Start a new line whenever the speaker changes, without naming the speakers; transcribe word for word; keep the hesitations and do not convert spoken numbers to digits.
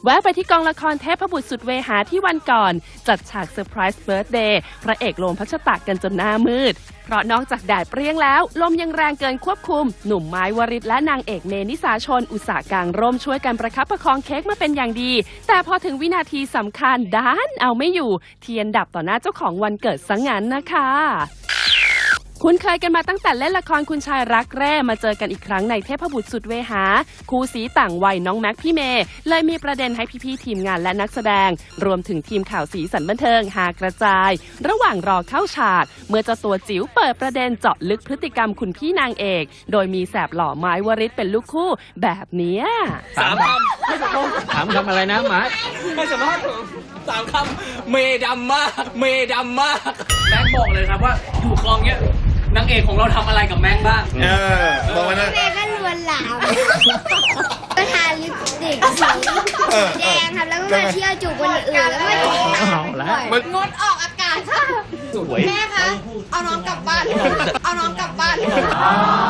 แวะไปที่กองละครเทพบุตรสุดเวหาที่วันก่อนจัดฉากเซอร์ไพรส์เบิร์ธเดย์พระเอกโลมพัชตะกันจนหน้ามืดเพราะนอกจากแดดเปรี้ยงแล้วลมยังแรงเกินควบคุมหนุ่มไม้วริศและนางเอกเมนิสาชนอุตสาหกางร่มช่วยกันประคับประคองเค้กมาเป็นอย่างดีแต่พอถึงวินาทีสำคัญด้านเอาไม่อยู่เทียนดับต่อหน้าเจ้าของวันเกิดซะงั้นนะคะคุณเคยกันมาตั้งแต่เล่นละครคุณชายรักแร่มาเจอกันอีกครั้งในเทพบุตรสุดเวหาคู่สีต่างวัยน้องแม็กพี่เมย์เลยมีประเด็นให้พี่ๆทีมงานและนักแสดงรวมถึงทีมข่าวสีสันบันเทิงหากระจายระหว่างรอเข้าฉากเมื่อเจ้าตัวจิ๋วเปิดประเด็นเจาะลึกพฤติกรรมคุณพี่นางเอกโดยมีแสบหล่อไม้วริศเป็นลูกคู่แบบเนี้ย
สามคำไม่ตกลงถามคำอะไรนะหมาไม่สามารถสามคำเมดำมากเมดำมากแม็กบอกเลยครับว่าอยู่คลองเนี้ยนางเอกของเราทำอะไรกับแม็กบ้าง
เออบอกมานะ
แม่ก็ลวนลามก็ทาลิปสติกสีแดงครับแล้วก็มาเที่ยวจูบคนอื่นแล้วก็จูบงดออกอากาศค่ะแม่คะเอาน้องกลับบ้านเอาน้องกลับบ้าน